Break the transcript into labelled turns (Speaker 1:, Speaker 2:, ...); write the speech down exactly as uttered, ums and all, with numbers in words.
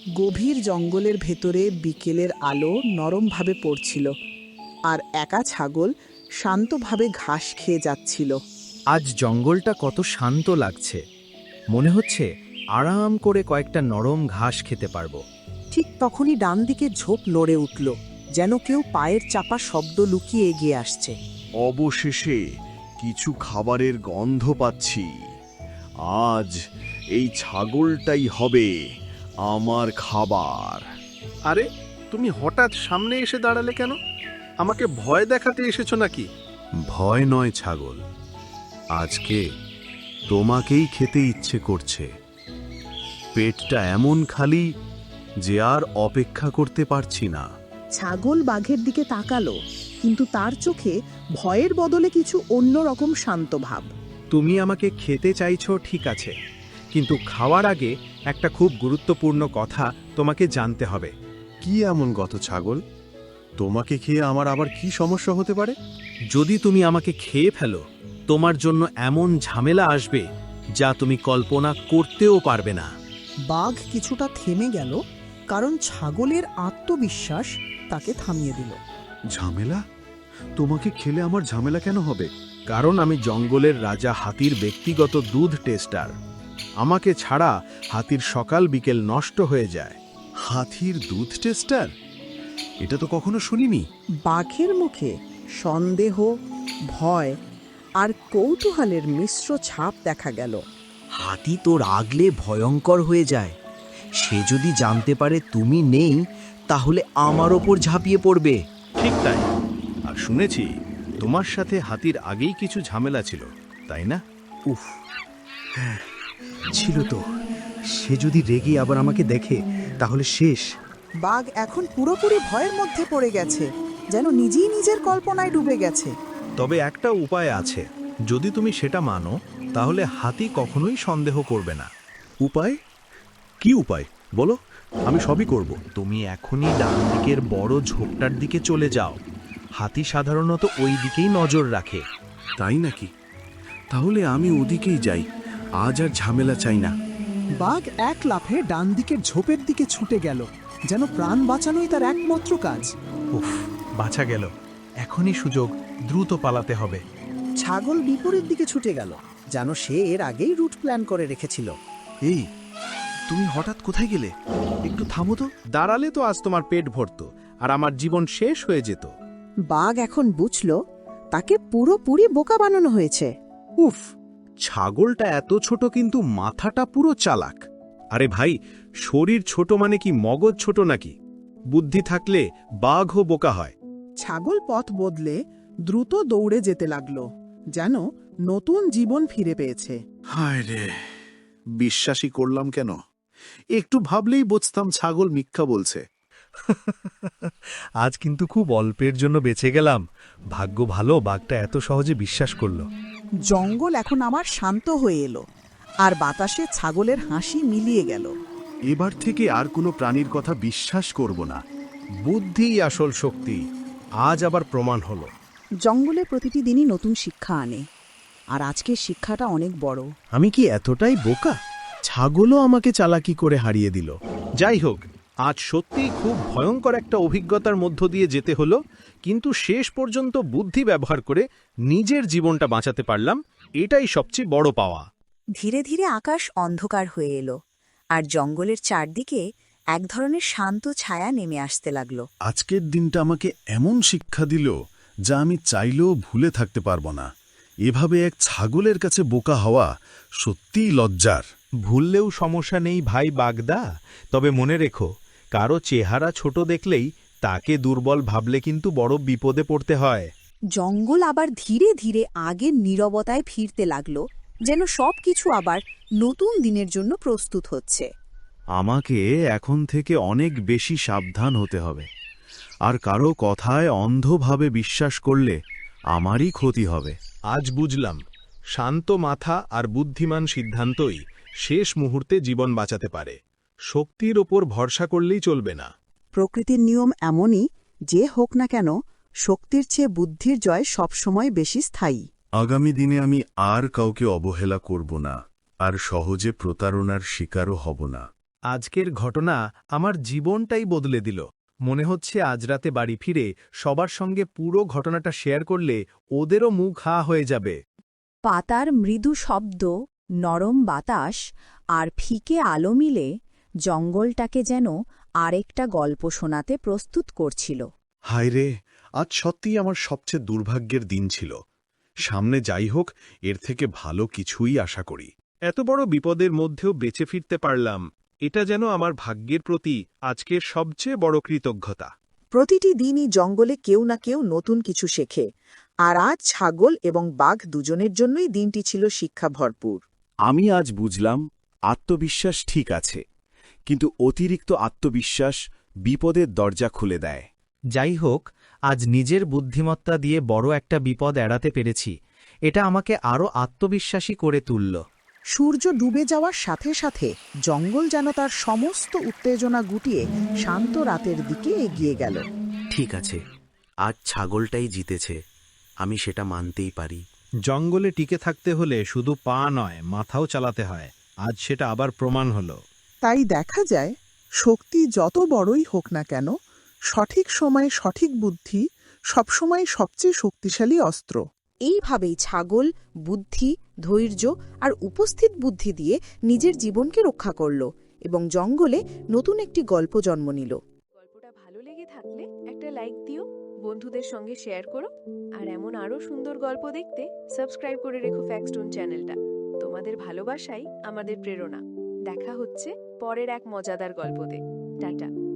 Speaker 1: গভীর জঙ্গলের ভেতরে বিকেলের আলো নরমভাবে পড়ছিল, আর একা ছাগল শান্তভাবে ঘাস খেয়ে যাচ্ছিল।
Speaker 2: আজ জঙ্গলটা কত শান্ত লাগছে, মনে হচ্ছে আরাম করে কয়েকটা নরম ঘাস খেতে পারবো।
Speaker 1: ঠিক তখনই ডান দিকে ঝোপ নড়ে উঠল, যেন কেউ পায়ের চাপা শব্দ লুকিয়ে এগিয়ে আসছে।
Speaker 3: অবশেষে কিছু খাবারের গন্ধ পাচ্ছি। আজ এই ছাগলটাই হবে আমার খাবার।
Speaker 4: আরে, তুমি হঠাৎ সামনে এসে দাঁড়ালে কেন? আমাকে ভয় দেখাতে এসেছো নাকি?
Speaker 3: ভয় নয় ছাগল, আজকে তোমাকেই খেতে ইচ্ছে করছে। পেটটা এমন খালি যে আর অপেক্ষা করতে পারছি না।
Speaker 1: ছাগল বাঘের দিকে তাকালো, কিন্তু তার চোখে ভয়ের বদলে কিছু অন্যরকম শান্ত ভাব।
Speaker 2: তুমি আমাকে খেতে চাইছো ঠিক আছে, কিন্তু খাওয়ার আগে একটা খুব গুরুত্বপূর্ণ কথা তোমাকে জানতে হবে।
Speaker 3: কি এমন গত ছাগল? তোমাকে খেয়ে আমার আবার কি সমস্যা হতে পারে?
Speaker 2: যদি তুমি আমাকে খেয়ে ফেলো, তোমার জন্য এমন ঝামেলা আসবে যা তুমি কল্পনা করতেও পারবে না।
Speaker 1: বাঘ কিছুটা থেমে গেল, কারণ ছাগলের আত্মবিশ্বাস তাকে থামিয়ে দিল।
Speaker 3: ঝামেলা? তোমাকে খেলে আমার ঝামেলা কেন হবে?
Speaker 2: কারণ আমি জঙ্গলের রাজা হাতির ব্যক্তিগত দুধ টেস্টার। আমাকে ছাড়া হাতির সকাল বিকেল নষ্ট হয়ে যায়।
Speaker 3: হাতির দুধ টেস্টার? এটা তো কখনো শুনিনি।
Speaker 1: বাঘের মুখে সন্দেহ, ভয় আর কৌতূহলের মিশ্র ছাপ দেখা গেল।
Speaker 5: হাতি তো রাগলে ভয়ঙ্কর হয়ে যায়। সে যদি জানতে পারে তুমি নেই, তাহলে আমার ওপর ঝাঁপিয়ে পড়বে।
Speaker 4: ঠিক তাই। আর শুনেছি তোমার সাথে হাতির আগেই কিছু ঝামেলা ছিল, তাই না?
Speaker 5: উফ, হ্যাঁ ছিল তো। সে যদি রেগে আবার আমাকে দেখে তাহলে শেষ।
Speaker 1: বাঘ এখন পুরোপুরি ভয়ের মধ্যে পড়ে গেছে, যেন নিজেই নিজের কল্পনায় ডুবে গেছে।
Speaker 2: তবে একটা উপায় আছে, যদি তুমি সেটা মানো তাহলে হাতি কখনোই সন্দেহ করবে না।
Speaker 3: উপায়? কি উপায় বলো, আমি সবই করব।
Speaker 2: তুমি এখনই ডান দিকের বড় ঝোপটার দিকে চলে যাও। হাতি সাধারণত ওই দিকেই নজর রাখে।
Speaker 3: তাই নাকি? তাহলে আমি ওদিকেই যাই। আজ আর ঝামেলা চাই না।
Speaker 6: বাঘ এক লাফে ডান দিকের ঝোপের দিকে ছুটে গেল, যেন প্রাণ বাঁচানোই তার একমাত্র কাজ।
Speaker 2: উফ, বাঁচা গেল। এখনই সুযোগ, দ্রুত পালাতে হবে।
Speaker 1: ছাগল বিপরীত দিকে ছুটে গেল, যেন সে এর আগেই রুট প্ল্যান করে রেখেছিল।
Speaker 3: এই, তুমি হঠাৎ কোথায় গেলে? একটু থামো তো।
Speaker 2: দাঁড়ালে তো আজ তোমার পেট ভরত আর আমার জীবন শেষ হয়ে যেত।
Speaker 1: বাঘ এখন বুঝল তাকে পুরোপুরি বোকা বানানো হয়েছে।
Speaker 2: উফ, ছাগলটা এত ছোট কিন্তু মাথাটা পুরো চালাক। আরে ভাই, শরীর ছোট মানে কি মগজ ছোট নাকি? বুদ্ধি থাকলে বাঘও বোকা হয়।
Speaker 1: ছাগল পথ বদলে দ্রুত দৌড়ে যেতে লাগলো, যেন নতুন জীবন ফিরে পেয়েছে।
Speaker 3: হায় রে, বিশ্বাসই করলাম কেন? একটু ভাবলেই বুঝতাম ছাগল মিথ্যা বলছে।
Speaker 2: আজ কিন্তু খুব অল্পের জন্য বেঁচে গেলাম। ভাগ্য ভালো বাঘটা এত সহজে বিশ্বাস করলো।
Speaker 1: জঙ্গল এখন আবার শান্ত হয়ে এলো, আর বাতাসে ছাগলের হাসি মিলিয়ে গেল।
Speaker 3: এবার থেকে আর কোনো প্রাণীর কথা বিশ্বাস করব না।
Speaker 2: বুদ্ধিই আসল শক্তি, আজ আবার প্রমাণ হলো।
Speaker 1: জঙ্গলে প্রতিটি দিনই নতুন শিক্ষা আনে, আর আজকের শিক্ষাটা অনেক বড়।
Speaker 2: আমি কি এতটাই বোকা? ছাগলও আমাকে চালাকি করে হারিয়ে দিল। যাই হোক, আজ সত্যিই খুব ভয়ঙ্কর একটা অভিজ্ঞতার মধ্য দিয়ে যেতে হলো, কিন্তু শেষ পর্যন্ত বুদ্ধি ব্যবহার করে নিজের জীবনটা বাঁচাতে পারলাম, এটাই সবচেয়ে বড় পাওয়া।
Speaker 7: ধীরে ধীরে আকাশ অন্ধকার হয়ে এলো, আর জঙ্গলের চারদিকে এক ধরনের শান্ত ছায়া নেমে আসতে লাগলো।
Speaker 3: আজকের দিনটা আমাকে এমন শিক্ষা দিল যা আমি চাইলেও ভুলে থাকতে পারবো না। এভাবে এক ছাগলের কাছে বোকা হওয়া সত্যিই লজ্জার।
Speaker 2: ভুললেও সমস্যা নেই ভাই বাগদা, তবে মনে রেখো, কারো চেহারা ছোট দেখলেই তাকে দুর্বল ভাবলে কিন্তু বড় বিপদে পড়তে হয়।
Speaker 7: জঙ্গল আবার ধীরে ধীরে আগের নীরবতায় ফিরতে লাগলো, যেন সবকিছু আবার নতুন দিনের জন্য প্রস্তুত হচ্ছে।
Speaker 3: আমাকে এখন থেকে অনেক বেশি সাবধান হতে হবে, আর কারো কথায় অন্ধভাবে বিশ্বাস করলে আমারই ক্ষতি হবে।
Speaker 2: আজ বুঝলাম, শান্ত মাথা আর বুদ্ধিমান সিদ্ধান্তই শেষ মুহূর্তে জীবন বাঁচাতে পারে। শক্তির ওপর ভরসা করলেই চলবে না।
Speaker 1: প্রকৃতির নিয়ম এমনই, যে হোক না কেন, শক্তির চেয়ে বুদ্ধির জয় সবসময় বেশি স্থায়ী।
Speaker 3: আগামী দিনে আমি আর কাউকে অবহেলা করব না, আর সহজে প্রতারণার শিকারও হব না।
Speaker 2: আজকের ঘটনা আমার জীবনটাই বদলে দিল। মনে হচ্ছে আজ রাতে বাড়ি ফিরে সবার সঙ্গে পুরো ঘটনাটা শেয়ার করলে ওদেরও মুখ হা হয়ে যাবে।
Speaker 7: পাতার মৃদু শব্দ, নরম বাতাস আর ফিকে আলো মিলে জঙ্গলটাকে যেন আরেকটা গল্প শোনাতে প্রস্তুত করছিল।
Speaker 3: হায় রে, আজ সত্যিই আমার সবচেয়ে দুর্ভাগ্যের দিন ছিল। সামনে যাই হোক, এর থেকে ভালো কিছুই আশা করি।
Speaker 2: এত বড় বিপদের মধ্যেও বেঁচে ফিরতে পারলাম, এটা যেন আমার ভাগ্যের প্রতি আজকের সবচেয়ে বড় কৃতজ্ঞতা।
Speaker 1: প্রতিটি দিনই জঙ্গলে কেউ না কেউ নতুন কিছু শেখে, আর আজ ছাগল এবং বাঘ দুজনের জন্যই দিনটি ছিল শিক্ষা ভরপুর।
Speaker 8: আমি আজ বুঝলাম আত্মবিশ্বাস ঠিক আছে, কিন্তু অতিরিক্ত আত্মবিশ্বাস বিপদের দরজা খুলে দেয়।
Speaker 5: যাই হোক, আজ নিজের বুদ্ধিমত্তা দিয়ে বড় একটা বিপদ এড়াতে পেরেছি। এটা আমাকে আরও আত্মবিশ্বাসী করে তুলল।
Speaker 1: সূর্য ডুবে যাওয়ার সাথে সাথে জঙ্গল যেন তার সমস্ত উত্তেজনা গুটিয়ে শান্ত রাতের দিকে এগিয়ে গেল।
Speaker 5: ঠিক আছে, আজ ছাগলটাই জিতেছে, আমি সেটা মানতেই পারি।
Speaker 2: জঙ্গলে টিকে থাকতে হলে শুধু পা নয়, মাথাও চালাতে হয়। আজ সেটা আবার প্রমাণ হলো।
Speaker 1: তাই দেখা যায়, শক্তি যত বড়ই হোক না কেন, সঠিক সময়ে সঠিক বুদ্ধি সবসময় সবচেয়ে শক্তিশালী অস্ত্র। এইভাবেই ছাগল বুদ্ধি, ধৈর্য আর উপস্থিত বুদ্ধি দিয়ে নিজের জীবনকে রক্ষা করল এবং জঙ্গলে নতুন একটি গল্প জন্ম নিল।
Speaker 9: গল্পটা ভালো লেগে থাকলে একটা লাইক দিও, বন্ধুদের সঙ্গে শেয়ার করো, আর এমন আরও সুন্দর গল্প দেখতে সাবস্ক্রাইব করে রেখো ফ্যাক্টস্টোন চ্যানেলটা। তোমাদের ভালোবাসাই আমাদের প্রেরণা। দেখা হচ্ছে পরের এক মজাদার গল্পতে। টাটা।